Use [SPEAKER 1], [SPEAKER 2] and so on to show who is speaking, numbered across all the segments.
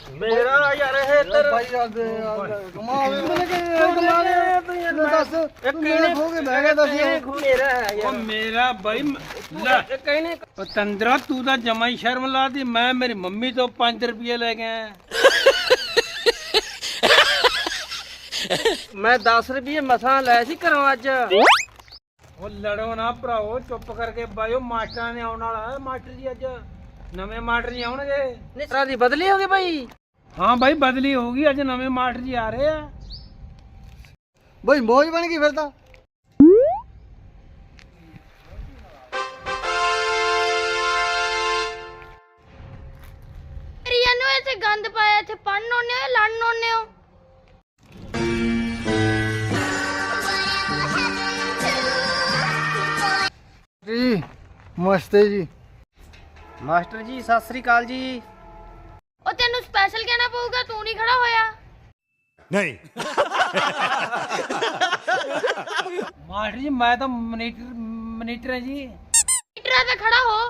[SPEAKER 1] ਮੇਰਾ ਯਾਰ ਇਹ ਤੇਰਾ
[SPEAKER 2] ਭਾਈ ਯਾਰ ਕਮਾਲ ਤੂੰ ਯਾਰ ਦੱਸ
[SPEAKER 1] ਇਹ ਕਿਹਨੇ
[SPEAKER 2] ਖੋ ਕੇ ਬਹਿ ਗਿਆ ਦੱਸ
[SPEAKER 1] ਮੇਰਾ ਹੈ ਯਾਰ
[SPEAKER 3] ਮੇਰਾ ਬਾਈ ਲੈ
[SPEAKER 1] ਇਹ ਕਿਹਨੇ
[SPEAKER 3] ਪਤੰਦਰਾ ਤੂੰ ਤਾਂ ਜਮਾ ਹੀ ਸ਼ਰਮ ਲਾਦੀ। ਮੈਂ ਮੇਰੀ ਮੰਮੀ ਤੋਂ 5 ਰੁਪਏ ਲੈ ਗਿਆ।
[SPEAKER 1] ਮੈਂ 10 ਰੁਪਏ ਮਸਾਂ ਲੈ ਸੀ ਘਰੋਂ ਅੱਜ।
[SPEAKER 3] ਉਹ ਲੜੋ ਨਾ ਭਰਾਓ, ਚੁੱਪ ਕਰਕੇ ਬਾਈਓ। ਮਾਸਟਰਾਂ ਨੇ ਆਉਣ ਵਾਲਾ ਹੈ। ਮਾਸਟਰ ਜੀ ਅੱਜ ਨਵੇਂ ਮਾਸਟਰ ਜੀ ਆਉਣਗੇ।
[SPEAKER 1] ਨਿਸਰਾ ਦੀ ਬਦਲੀ ਹੋ ਗਈ ਭਾਈ।
[SPEAKER 3] ਹਾਂ ਬਾਈ ਬਦਲੀ ਹੋ ਗਈ, ਅੱਜ ਨਵੇਂ ਮਾਸਟਰ ਜੀ ਆ ਰਹੇ ਆ।
[SPEAKER 2] ਬਈ ਮੌਜ ਬਣ ਗਈ ਫਿਰ ਤਾਂ।
[SPEAKER 4] ਰੀਆ ਨੂੰ ਇੱਥੇ ਗੰਦ ਪਾਇਆ, ਇੱਥੇ ਪੜਨ ਆਉਂਦੇ ਹੋ ਲੜਨ ਆਉਂਦੇ ਹੋ।
[SPEAKER 2] ਜੀ ਨਮਸਤੇ ਜੀ।
[SPEAKER 1] ਮਾਸਟਰ ਜੀ ਸਤਿ ਸ੍ਰੀ ਅਕਾਲ ਜੀ।
[SPEAKER 4] ਉਹ ਤੈਨੂੰ ਸਪੈਸ਼ਲ ਕਹਿਣਾ ਪਊਗਾ, ਤੂੰ ਨਹੀਂ ਖੜਾ ਹੋਇਆ।
[SPEAKER 5] नहीं
[SPEAKER 3] ਮਾਸਟਰ ਜੀ ਮੈਂ ਤਾਂ ਮਨੀਟਰ ਹੈ ਜੀ।
[SPEAKER 4] ਮੀਟਰਾਂ ਤੇ ਖੜਾ ਹੋ।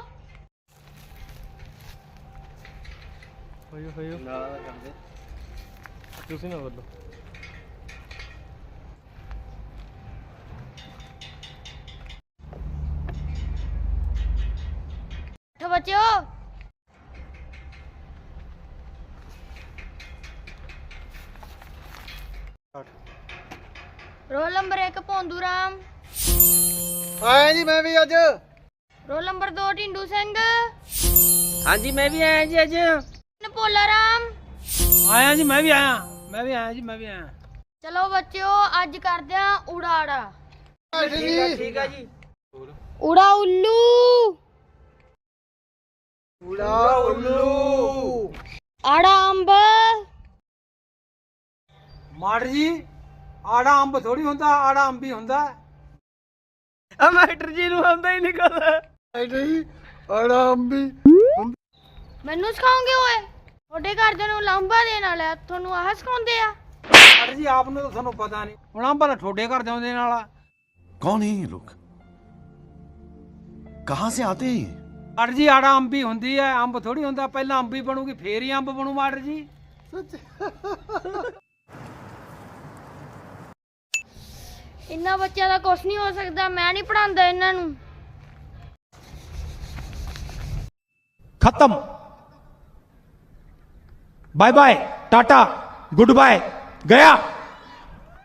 [SPEAKER 1] ਤੁਸੀਂ ਨਾ ਬੋਲੋ।
[SPEAKER 4] ਉੱਠ ਬੱਚਿਓ। Roll number 1 Bhondu Ram.
[SPEAKER 2] ਆਇਆ ਜੀ ਮੈਂ ਵੀ ਅੱਜ।
[SPEAKER 4] Roll number 2 Dhindu Singh.
[SPEAKER 1] ਹਾਂਜੀ ਮੈਂ ਵੀ ਆਇਆ ਜੀ ਅੱਜ।
[SPEAKER 4] ਨਪੋਲਾ ਰਾਮ।
[SPEAKER 3] ਆਇਆ ਜੀ, ਮੈਂ ਵੀ ਆਇਆ ਜੀ।
[SPEAKER 4] ਚਲੋ ਬੱਚਿਓ ਅੱਜ ਕਰਦੇ ਆ ਉੜਾੜਾ।
[SPEAKER 1] ਠੀਕ ਆ ਜੀ।
[SPEAKER 4] ਉੜਾ ਉੱਲੂ।
[SPEAKER 2] ਉੜਾ ਉੱਲੂ।
[SPEAKER 4] ਆੜਾ ਅੰਬ।
[SPEAKER 3] ਮਾਸਟਰ ਜੀ ਆੜਾ ਅੰਬ ਥੋੜੀ ਹੁੰਦਾ, ਆੜਾ ਅੰਬ ਹੀ ਹੁੰਦਾ।
[SPEAKER 1] ਆ ਮਾਸਟਰ ਜੀ ਨੂੰ ਆਉਂਦਾ ਹੀ ਨਹੀਂ ਕੁਛ।
[SPEAKER 2] ਨਹੀਂ ਆਰਾਮੀ
[SPEAKER 4] ਮੈਨੂੰ ਸਿਖਾਉਂਗੇ ਓਏ? ਤੁਹਾਡੇ ਘਰਦਿਆਂ ਨੂੰ ਲਾਂਬਾ ਦੇਣ ਵਾਲਾ, ਤੁਹਾਨੂੰ ਆਹ ਸਿਖਾਉਂਦੇ ਆ?
[SPEAKER 3] ਮਾਸਟਰ ਜੀ ਆਪ ਨੂੰ ਤਾਂ ਤੁਹਾਨੂੰ ਪਤਾ ਨਹੀਂ, ਹੁਣ ਅੰਬ ਤਾਂ ਠੋਡੇ ਘਰ ਦੇ ਆਉਂਦੇ ਨਾਲ।
[SPEAKER 5] कौन है ये लोग कहां से आते हैं ये
[SPEAKER 3] ਮਾਸਟਰ ਜੀ ਆੜਾ ਅੰਬ ਹੀ ਹੁੰਦੀ ਹੈ, ਅੰਬ ਥੋੜੀ ਹੁੰਦਾ। ਪਹਿਲਾਂ ਅੰਬ ਹੀ ਬਣੂਗੀ ਫੇਰ ਹੀ ਅੰਬ ਬਣੂ ਮਾਸਟਰ ਜੀ।
[SPEAKER 4] ਇੰਨਾ ਬੱਚਿਆਂ ਦਾ ਕੁਛ ਨਹੀਂ ਹੋ ਸਕਦਾ, ਮੈਂ ਨਹੀਂ ਪੜਾਉਂਦਾ ਇਹਨਾਂ ਨੂੰ।
[SPEAKER 6] खत्म bye bye tata goodbye गया।